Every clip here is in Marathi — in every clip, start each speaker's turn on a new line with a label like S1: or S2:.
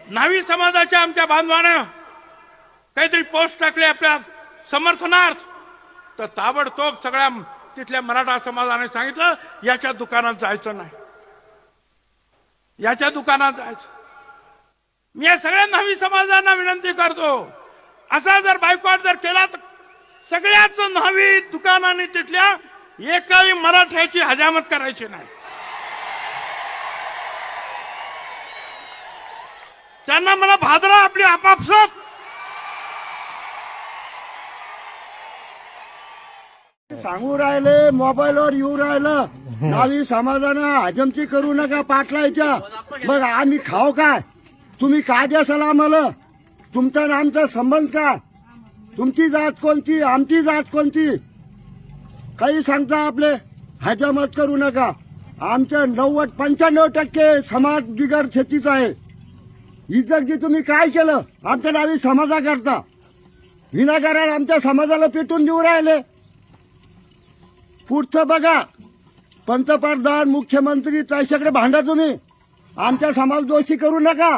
S1: न्हावी समाजाच्या आमच्या बांधवानं काहीतरी पोस्ट टाकले आपल्या समर्थनार्थ, तर ताबडतोब सगळ्या तिथल्या मराठा समाजाने सांगितलं याच्या दुकानात जायचं नाही, याच्या दुकानात जायचं. मी या सगळ्या न्हावी समाजांना विनंती करतो, असा जर बायकॉट जर केला तर सगळ्याच न्हावी दुकानांनी तिथल्या एकाही मराठ्याची हजामत करायची नाही. त्यांना मला भादरा आपली आपापसात
S2: सांगू राहिले, मोबाईलवर येऊ राहिलं न्हावी समाजानं हजमची करू नका पाटलायच्या. मग आम्ही खाऊ काय? तुम्ही काय द्याल आम्हाला? तुमचा आणि आमचा संबंध काय? तुमची जात कोणती, आमची जात कोणती? काही सांगता आपले हजामत करू नका. आमचं 95% समाज बिगर शेतीचा आहे. इज्जत जी तुम्ही काय केलं आमच्या नावी समाजाकरता? विनाकारण आमच्या समाजाला पेटून देऊ राहिले. पुढचं बघा, पंतप्रधान मुख्यमंत्री त्याच्याकडे भांडा तुम्ही. आमचा समाज दोषी करू नका.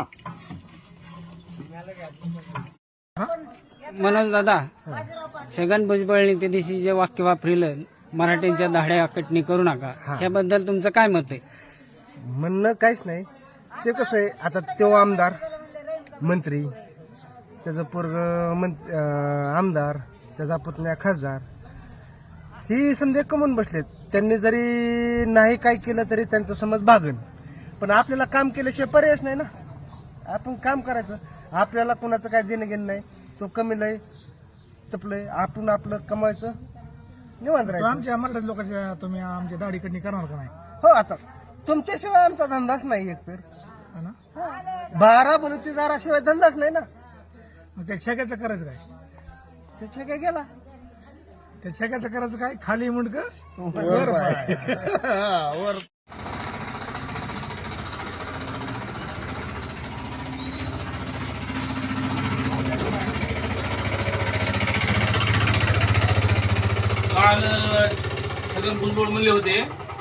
S3: मनोज दादा, छगन भुजबळने त्या दिवशी जे वाक्य वापरलं, मराठ्यांच्या दाढ्या कटणी करू नका, याबद्दल तुमचं काय मत आहे?
S4: म्हणणं काहीच नाही. ते कसं आहे, आता तो आमदार मंत्री, त्याचं पोरग आमदार, त्याचा पुतण्या खासदार, ही समजा कमवून बसलेत. त्यांनी जरी नाही काय केलं तरी त्यांचा समज भागन. पण आपल्याला काम केल्याशिवाय पर्यायच नाही ना. आपण काम करायचं. आपल्याला कुणाचं काय देणं घेणं नाही. तो कमी लय तपलंय, आपण आपलं कमवायचं, निवांत राहायचं.
S5: आमच्या मराठी लोकांच्या तुम्ही आमच्या दाढी कटणी करणार का नाही?
S4: हो, आता तुमच्याशिवाय आमचा धंदाच नाही एकतर.
S5: है ना?
S4: 12 बलुतेदाराशिवाय धंदाच नाही ना.
S5: मग त्या छेक्याचं करायचं काय?
S4: त्याच्या काय गेला
S5: त्या छेक्याचं करायचं काय? खाली मुंडक
S4: वर पाय. वर
S6: काल छगन भुजबळ म्हणले होते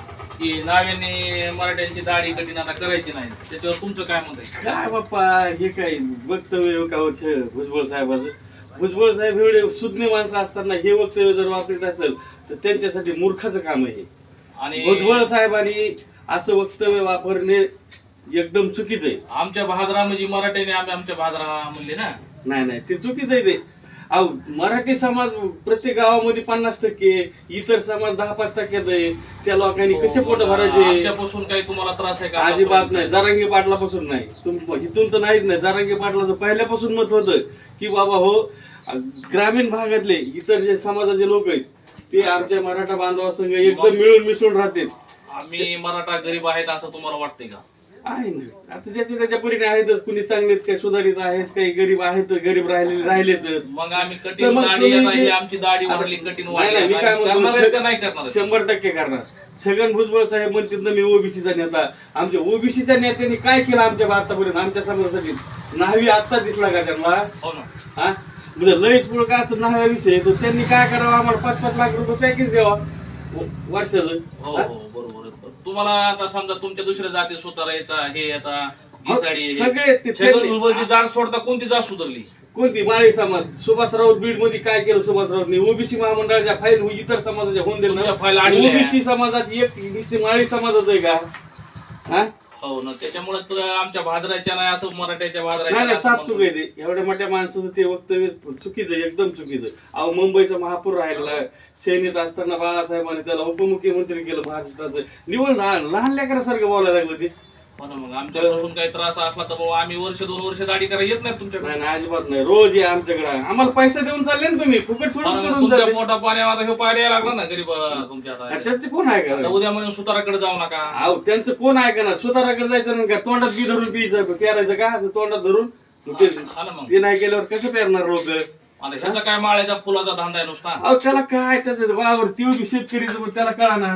S6: की नाव्याने मराठ्यांची दाढी कठीण आता करायची नाही. त्याच्यावर तुमचं काय मत आहे?
S7: काय बाप्पा, हे काय वक्तव्य का भुजबळ साहेबाचं? भुजबळ साहेब एवढे सुज्ञ माणसं असताना हे वक्तव्य जर वापरत असेल तर त्यांच्यासाठी मूर्खाचं काम आहे.
S6: आणि
S7: भुजबळ साहेबांनी असं वक्तव्य वापरणे एकदम चुकीचं आहे.
S6: आमच्या भादरा म्हणजे मराठ्याने आमच्या भादरा म्हणले ना.
S7: नाही, ते चुकीचं आहे. ते अहो, मराठी समाज प्रत्येक गावामध्ये 50%, इतर समाज 10-5% आहे. त्या लोकांनी कसे पोट भरायचे?
S6: आमच्यापासून काही तुम्हाला त्रास आहे का?
S7: अजिबात नाही. जरांगे पाटलापासून नाही, इथून तर नाहीच नाही. जरांगे पाटलाचं पहिल्यापासून मत होतं की बाबा हो, ग्रामीण भागातले इतर जे समाजाचे लोक आहेत ते आमच्या मराठा बांधवासंग एकदम मिळून मिसळून राहतील.
S6: आम्ही मराठा गरीब आहेत असं तुम्हाला वाटतंय का?
S7: आहे ना. आता त्याच्या परीने आहेतच. कुणी चांगलेत, काही सुधारित आहेत, काही गरीब आहेत, गरीब राहिलेच.
S6: मग आम्ही कठीण दाढी येणार, ही आमची दाढी वाढली, कठीण वाढली,
S7: मी काय
S6: करणार आहेत का नाही करणार?
S7: म्हणतो, 100% करणार. छगन भुजबळ साहेब म्हणतात ना, मी ओबीसीचा नेता. आमच्या ओबीसीच्या नेत्यांनी काय केलं आमच्या आतापर्यंत आमच्या समाजासाठी? न्हावी आत्ता दिसला का त्यांना?
S6: हो ना.
S7: हा, म्हणजे लयच पुढं का असं न्हाव्या विषय, तर त्यांनी काय करावं? आम्हाला 5-5 लाख रुपये पॅकेज द्यावा वर्षाचं.
S6: हो, बरोबर. तुम्हाला आता समजा तुमच्या दुसऱ्या जाती सुधारायचा, हे आता घिसाडी,
S7: सगळे ते
S6: छगन भुजबळची जात सोडता कोणती जात सुधारली?
S7: कोणती? माळी समाज. सुभाषराव बीड मध्ये काय केलं सुभाषरावनी? ओबीसी महामंडळाच्या फाईल इतर समाजाच्या होऊन
S6: तुमच्या फाईल
S7: दिल्या.
S6: आणल्या.
S7: ओबीसी समाजाची एक नुसती माळी समाजाचं आहे का? हा,
S6: हो ना. त्याच्यामुळे तर आमच्या भादराच्या नाही असं मराठ्याच्या
S7: नाही
S6: भादराच्या
S7: साफ चुक आहे ते. एवढ्या मोठ्या माणसाचं ते वक्तव्य चुकीचं, एकदम चुकीचं. अहो, मुंबईचा महापूर राहिलेला सैनिक असताना बाळासाहेबांनी त्याला उपमुख्यमंत्री केलं महाराष्ट्राचं. निवड लहान लेकरासारखं बोलायला लागलं ते.
S6: हो ना. मग आमच्यापासून काही त्रास असला तर बाबा आम्ही 1-2 वर्ष दाढी करायला येत नाही तुमच्याकडे.
S7: नाही, अजिबात नाही. रोज या आमच्याकडे. आम्हाला पैसे देऊन चालले ना तुम्ही, फुकट
S6: तुमच्या
S7: थोडं.
S6: मोठा पाण्या आता हे पाय द्यायला लागला ना गरीब तुमच्या आता.
S7: त्यांचं कोण आहे
S6: आता
S7: का?
S6: उद्या म्हणून सुताराकडे जाऊ नका.
S7: अहो, त्यांचं कोण ऐकणार? सुताराकडे जायचं नाही का? तोंडात बी धरून पियचं, पेरायचं का? असं तोंडात धरून
S6: हा ना. मग
S7: ते नाही केल्यावर कसं पेरणार लोक?
S6: आता ह्याचा काय माळ्याचा फुलाचा धंदा आहे नुसता?
S7: अहो, त्याला काय त्याचं वावर ती बी शेतकरी त्याला कळा ना.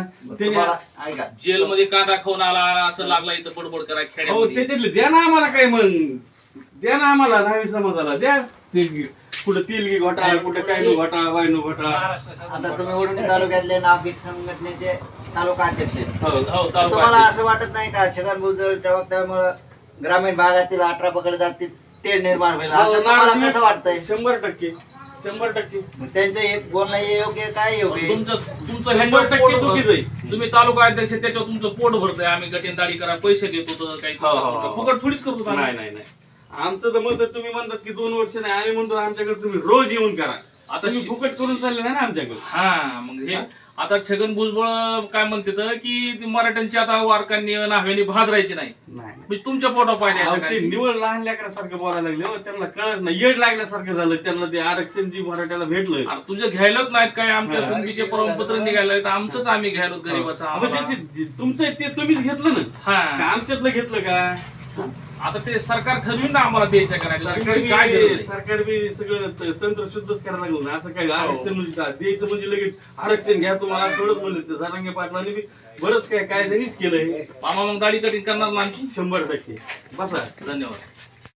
S6: जेलमध्ये कांदा खाऊन आला असं लागला इथं बडबड करायला
S7: अहो,
S6: खेड्यामध्ये.
S7: त्याच्यातले द्या ना आम्हाला काय, मग द्या ना आम्हाला. न्हावी समाजाला द्या. कुठं तिलगी घोटाळा, कुठं काय घोटाळा, वायनू घोटाळा.
S8: आता तुम्ही वडवणी तालुक्यातले नाभिक संघटनेचे तालुका अध्यक्ष आहेत.
S6: हो,
S8: तुम्हाला असं वाटत नाही का छगन भुजबळच्या वक्तव्यामुळे ग्रामीण भागातील 18 पकडले जातील ते निर्माण होईल
S7: हो,
S8: असं तुम्हाला कसं वाटतंय?
S7: 100%.
S8: मग त्यांचं एक बोलणं योग्य आहे, काय योग्य आहे?
S6: तुमचं
S7: 100% चुकीचं आहे.
S6: तुम्ही तालुका अध्यक्ष त्याच्यावर तुमचं पोट भरतंय आम्ही गटीन दाढी करा पैसे देत होतो काही फुकट थोडीच करतो आम्ही.
S7: नाही आमचं तर मत आहे, तुम्ही म्हणतात की 2 वर्ष नाही, आम्ही म्हणतो आमच्याकडे तुम्ही रोज येऊन करा. आता तुम्ही फुकट करून चालले नाही ना आमच्याकडे.
S6: हा मग हे आता छगन भुजबळ काय म्हणते तर की ती मराठ्यांची आता वारकांनी नाव्यानी भादरायची नाही म्हणजे तुमच्या पोटावर पाय
S7: अहो,
S6: द्यायचं
S7: ते
S6: काय?
S7: निवड लहान लेकरासारखं बोलायला लागले हो, त्यांना कळत नाही, येड लागल्यासारखं झालं त्यांना. ते आरक्षण जी मराठ्याला भेटलं
S6: अरे तुझं घ्यायलाच नाहीत काय आमच्या कुणबीचे प्रमाणपत्र निघायला तर आमचंच आम्ही घ्यायलो गरीबाचं आम्हाला.
S7: तुमचं ते तुम्हीच घेतलं ना,
S6: हा
S7: का आमच्यातलं घेतलं का?
S6: आता ते सरकार ठरवीन ना आम्हाला द्यायचं करायचं तुमची काय गरज आहे?
S7: सरकार बी सगळं तंत्र शुद्धच करायला लागलं ना. असं काय आरक्षण म्हणजे द्यायचं म्हणजे लगेच आरक्षण घ्या तुम्हाला थोडंच म्हणलं. ते जरांगे पाटलांनी बी बरंच काय त्यांनीच केलंय.
S6: मामा मग दाढी कटिंग करणार ना आमची?
S7: 100%. बसा.
S6: धन्यवाद.